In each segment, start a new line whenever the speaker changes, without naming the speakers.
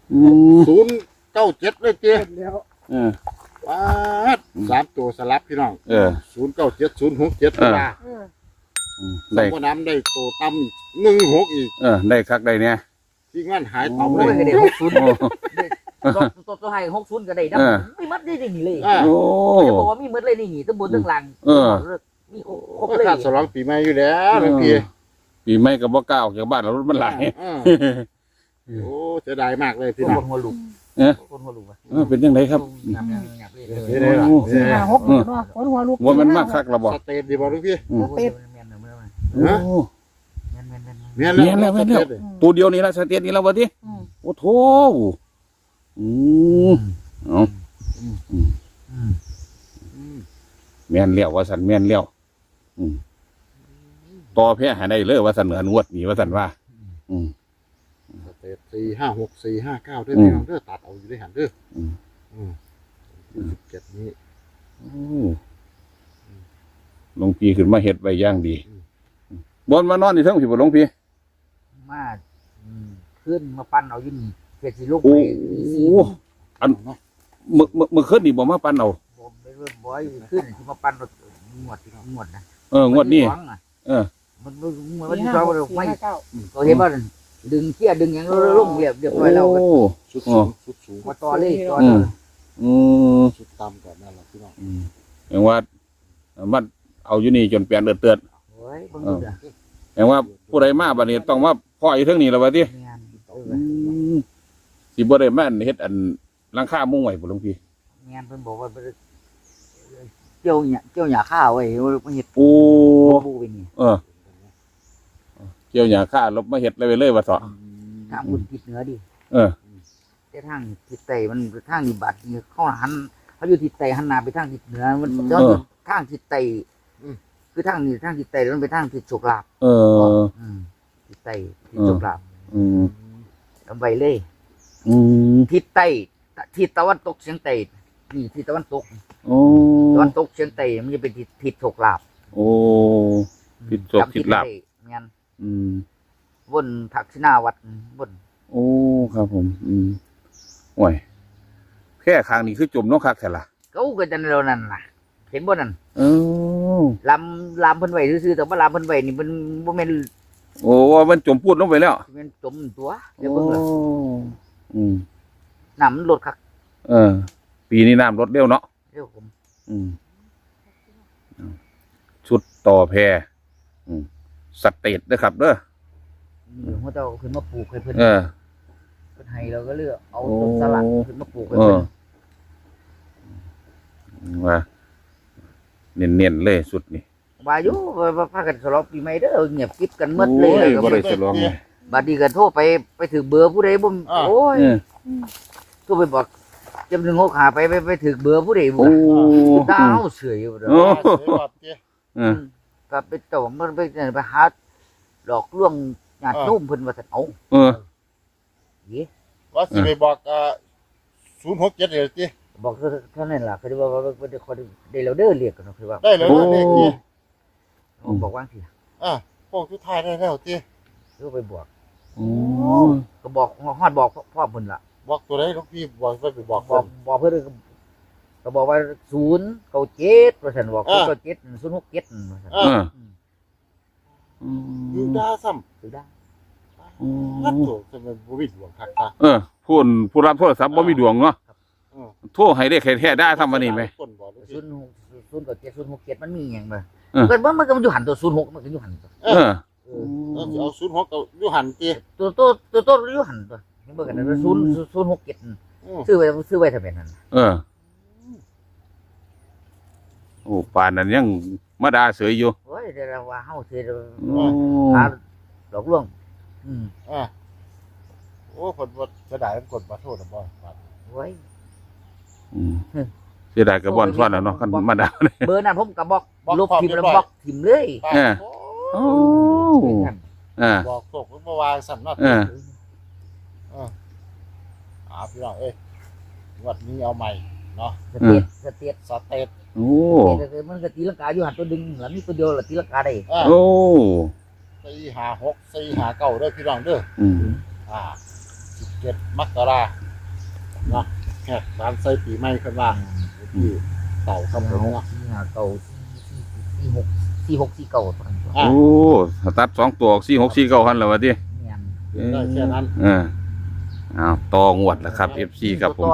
097เลยเจ๊
แล้ว
ว้า3ตัวสลับพี่น้อง097 067
ได้
บ่น้ำได้ตัวต่ำ16อีก
ได้คักได้เนี่ย
ที่งานหายต่ำเลย
ได้60ตัวให้60ก็ได้นะไม่มัดได้นี่เลย
โอ้
จะบอกว่ามีมัดเลยนี่ทั้งบนทั้งล่างมีครบเลย
ขาดฉลองปีใหม่อยู่แล้วเมื่อกี้
ปีใหม่ก็บ่กล้าออกจากบ้านแล้วรถมันหลาย
โอ้เสียดายมากเลยพี่น้อง
คนหัวลุกคนหัวลุก
เป็นยังไงครับ
4-5-6เนาะคนหัวลุก
ว่ามันมากคักระบอก
สเตตดีบ่ลูกพี่
สเตต
แม่นแล้ว
ตัวเดียวนี่ละสเตตนี่แล้ววะที่โอ้โถแม่นเลี้ยวว่าสันแม่นเลี้ยวต่อแพ้หาได้เลยว่าสันเหนือนวดนี่ว่าสันว่า
สเตต4-5-6 4-5-9ด้วยพี่น้องเด้อตัดเอาอยู่ได้หันเด้อ17นี้
หลวงพี่ขึ้นมาเฮ็ดไว้ย่างดีบนมานอนนี่เท่งพี่บ่หลวงพี่
มาขึ้นมาปั้นเอาอยู่นี่เฮ็ดสิลูก
ไปอันเมื่อคืนนี่บ่มาปั้นเอา
บ่ไปเริ่มบ่อยขึ้นสิมาปั้นงวดนะ
งวดนี้
มันที่เราไม่ก็เห็นว่าดึงเขี้ยดึงอย่างลงเรียบร้อยแล้ว
ชุดสูง
มาต่อเลย
ชุดต่ำก่อนนั่นแหละพี่น้อง
อย่างว่ามันเอาอยู่นี่จนเปลี่ยนเตือนอย่างว่าผู้ใดมาบัดนี้ต้องมาพ่ออีกเรื่องนี้แล้ววะที่สิบ่ได้แม่นเฮ็ดอันหลังคามุ้งไว้บ่หลวงพี่
งานเพิ่นบอกว่าเกี่ยวหญ้าข้าวไว้มาเฮ็ด
ปู
ไปนี่
เกี่ยวหญ้าข้าลบมาเฮ็ดเลยว่าเถาะ
ทางบุญทิศเหนือดิแต่ทางทิศใต้มันทางนี่บาดนี่เขาหันเขาอยู่ทิศใต้หันหน้าไปทางทิศเหนือมันย้อนทางทิศใต้คือทางนี้ทางทิศใต้มันไปทางทิศโชคลาภทิศใต้ทิศโชคลาภเอาไปเลยทิศใต้ทิศตะวันตกเฉียงใต้นี่ทิศตะวันตกตะวันตกเฉียงใต้มันจะเป็นทิศโชคลาภ
ทิศโชคทิศลาภ
งั้นวนทักษิณาวัดวน
โอ้ครับผมโอ้ยแค่คางนี้คือจมน้องคักแค่ละ
เขาก็จะเรานั่นล่ะเห็นบ่นั่นลำเพิ่นไว้ซื่อๆแต่ว่าลำเพิ่นไว้นี่มันบ่แม่น
โอ้ว่ามันจมพูดลงไปแล้ว
มันจมตัวเดี๋ยวเบิ่งล่ะน้ำมันลดคัก
ปีนี้น้ำลดเร็วเนาะ
เร็วผม
ชุดต่อแพสเตตด้วยครับเด้อ
หัวเจ้าขึ้นมาปลูกให้เพิ่นเพิ่นให้เราก็เลือกเอาต้นสลัดขึ้นมาปลูกให้เพิ่น
ว่าเน้นๆเลยสุดนี่
ว่าอยู่ว่าพากันฉลองปีใหม่เด้อเงียบกิ๊บกันหมดเลย
บ่ได้ฉลอง
บัดนี้ก็โทรไปถึงเบอร์ผู้ใดบ่โอ้ยโทรไปบอกจำ165ไปถึงเบอร์ผู้ใดบ่ดาวเสืออยู่เด้อก็ไปต่อมันไปหาหลอกลวงญาติโยมเพิ่นว่าซั่นเอา
ว่าสิไปบอก067เด้อติ
บอกเท่านั้นล่ะคือว่าได้แล้วเด้อเรียกกันคือว่า
ได้แล้วเรียกติ
บอกว่าสิ
พวกสุดท้ายได้แล้วติ
ก็ไปบอกก็บอกฮอดบอกพ่อเพิ่นล่ะ
บอกตัวใดหลวงพี่บอกไปบอก
เพิ่นก็บอกว่า097ว่าซั่นบอก097 067ว่าซั่น
อยู่ดาซ้ำ
อยู่ดา
ฮัดโตจะมันบ่มีดวงคัก
ผู้รับโทรศัพท์บ่มีดวงเนาะโทรให้ได้แท้ๆได้ทำวันนี้ไหม
067มันมีหยังบ่เกิดมันก็อยู่หันตัว06มันก็อยู่หันตัว
เอา06ก็อยู่หันติ
ตัวอยู่หันตัวเห็นบ่กัน067ซื้อไว้ทำไมนั่น
โอ้ป่านนั้นยังมาด่าเสยอยู่
โอ้ยเดี๋ยวว่าเฮาสิหาหลอกลวง
โอ้เพิ่นบ่จะได้กดมาโทษบ่
โอ้ย
เสียดายกระบอนซ้อนแล้วเนาะคันมาด่า
เบอร์นั้นผมก็บอกลบทิ่มแล้วบอกทิ่มเลย
บอกโศกเพิ่นบ่วางสั่นเนาะพี่น้องงวดนี้เอาใหม่เนาะ
สเตต
โอ้
มันก็ตีลังกาอยู่หันตัวดึงแล้วมีตัวเดียวละตีลังกาได้
โอ้
456 459เด้อพี่น้องเด้อ17 17 มกราเนาะแขกร้านไส้ปีใหม่ขึ้นว่าที่เต่าครับผมเนาะ
สี่ห้าเก้าสี่หกสี่เก้าตอนนี้
อ่ะ
โอ้ตัด2ตัว4649หันแล้วว่าติ
เนี่ย
ได้แค่นั้น
เอาต่องวดแล้วครับ FC ครับผม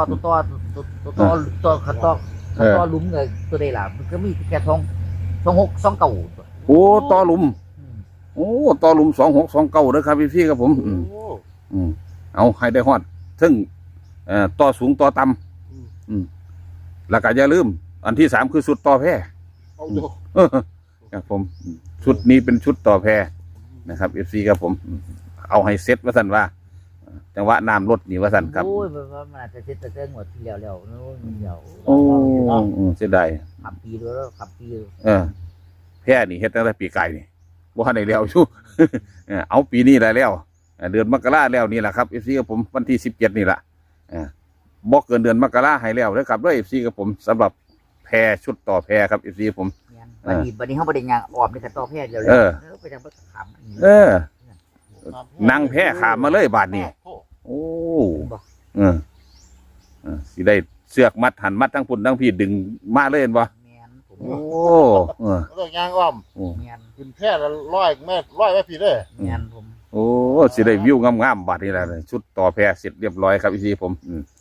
ตัวลุ้มเลยตัวใดล่ะมันก็มีแค่สองเก่า
โอ้ต่อหลุมโอ้ต่อหลุม2629เด้อครับ FC ครับผม
โอ้
เอาให้ได้ฮอดซึ่งต่อสูงต่อต่ำแล้วก็อย่าลืม อันที่3คือสุดต่อแพ
เอาอยู่
ครับผมชุดนี้เป็นชุดต่อแพนะครับ FC ครับผม เอาให้เซ็ตว่าสันว่าจังหวะน้ำลดนี่ว่าสันครับ
โอ้ยมันอาจจะเซ็ตแต่หมดที่แล้วโน้นเดียว
โอ้เสียดาย
ขับปีด้วยแล้วขับปี
แพนี่เฮ็ดตั้งแต่ปีไก่นี่บ่ทันได้แล้วชู เอาปีนี้ได้แล้วเดือนมกราแล้วนี่แหละครับ FC กับผมวันที่17นี่แหละบ่เกินเดือนมกราให้แล้วนะครับด้วย FC กับผมสำหรับแพชุดต่อแพครับ FC ผม
วันนี้เขาบริญญาออมในกระต่อแพทย์เดียวไปทางประขำ
นั่งแพขามมาเลยบาดนี้โอ้สิได้เสือกมัดหันมัดทั้งพุ่นทั้งพี่ดึงมาเลยเห็นบ่โอ้
แล้วยางอ้อมขึ้นแค่ละ100 เมตร100 เมตรพี่เด้อ
โอ้สิได้วิวงามๆบาดนี้แหละชุดต่อแพเสร็จเรียบร้อยครับพี่ผม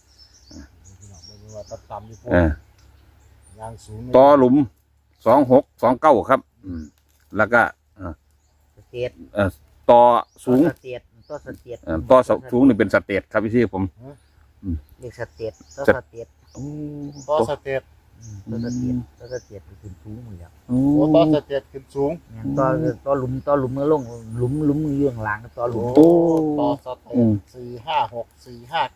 ต่อหลุม2629ครับแล้วก็ต่อสูงต่อสูงนี่เป็นสเตทครับพี่ผม
เรียกสเตทต่อสเตท
ต่อสเตท
ขึ้นสูงเลย
โอ้ต่อสเตทขึ้นสูง
ต่อหลุมเมื่อลงหลุมมือยื่นหลังต่อหลุม
ต่อสเตท456 459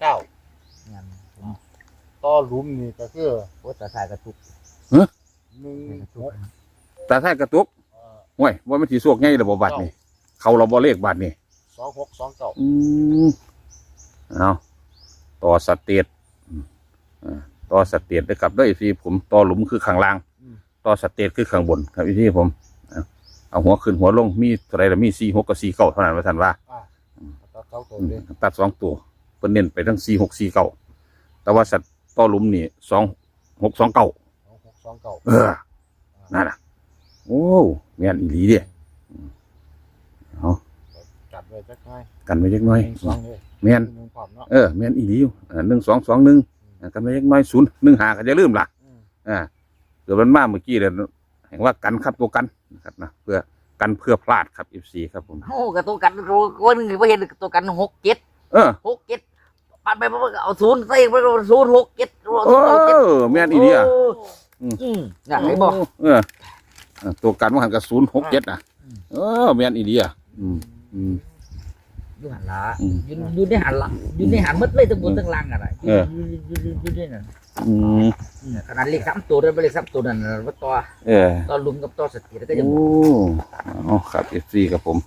ต่อหลุมนี่ก็คือ
โอ้ตาสายกระตุก
ตาท้ายกระตุกห่วยว่ามันสิสวกไงระบบบัตรนี่เขาเราบ่เลขบัตรนี่
2629
เอาต่อสเตทต่อสเตทได้กับด้วยพี่ผมต่อหลุมคือข้างล่างต่อสเตทคือข้างบนครับพี่ผมเอาหัวขึ้นหัวลงมีอะไรละมี46กับ49เท่านั้นว่าท่านว่าตัด2ตัวเพิ่นเน้นไปทั้ง4649แต่ว่าสัตว์ต่อหลุมนี่2629นั่นน่ะโอ้แม่นอีหลีเด้เอากันไว้จักหน่อยแม่นแม่นอีหลีอยู่1221กันไว้จักหน่อย015ก็อย่าลืมล่ะเดี๋ยวมันมาเมื่อกี้เด้แห่งว่ากันครับตัวกันนะครับนะเพื่อกันเพื่อพลาดครับ FC ครับผม
โอ้กับตัวกันคนนึงบ่เห็นตัวกัน67ปัดไปเอา0ใส่ไป067
แม่นอีหลีอ่ะ
อยากให้บอก
ตัวกันว่าหันกับ067อ่ะแม่นอีเดีย
อยู่หันละอยู่ในหันละอยู่ในหันมัดเลยทั้งบนทั้งล่างอะไรอยู่ในนั่นขนาดเลข3ตัวนั้นเลข3ตัวนั้นว่าต่อลุมกับต่อสติแล้วก็ยัง
ครับ FC กับผม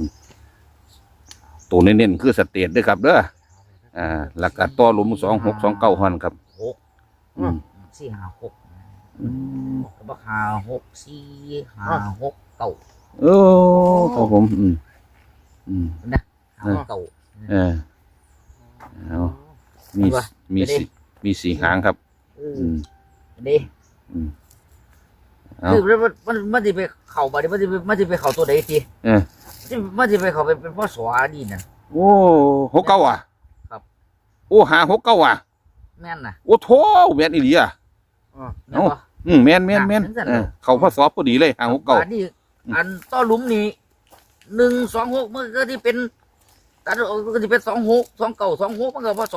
ตัวเน้นๆคือสเตทด้วยครับเด้อแล้วก็ต่อลุม2629หันครับ
456ก็บอก56 4 5 6 9
ครับผม
นะเก่า
มี4หางครับ
ดีคือมันจะไปเข่าบ่ได้มันจะไปเข่าตัวใดทีมันจะไปเข่าเป็นพ่อสวดีน่ะ
โอ้69อ่ะ
ครับ
โอ้569อ่ะ
แม่นน่ะ
โอ้โธ่แม่นอีหลีอ่ะแม่นเขาพอสอบพอดีเลย569
อันต่อหลุมนี่126มันก็ที่เป็นกันก็ที่เป็น26 29 26มันก็พศ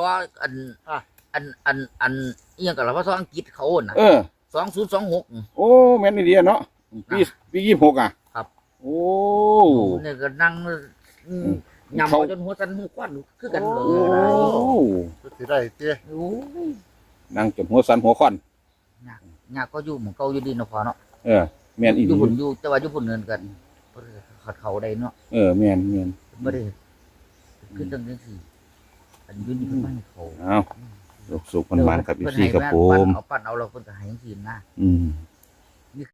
อันเอียงกับเราพศอังกฤษเขาน่ะ2026
โอ้แม่นดีเนาะปี26อ่ะ
ครับ
โอ้
เนี่ยก็นั่งยำจนหัวสั่นหัวควันคือกันเลย
สิได้เตี้ย
นั่งจนหัวสั่นหัวควัน
ยากก็อยู่หมู่เก่าอยู่ดีเนาะพอเนาะ
แม่นอี
อยู่พุ่นอยู่แต่ว่าอยู่พุ่นเนินกันขัดเขาได้เนาะ
แม่น
บ่ได้คือจังซี่อันอยู่นี่เพิ่นมาให้เขา
สุขมันครับพี่ครับผม
เอาปั้นเอาเราเพิ่นก็ให้จังซี่นะ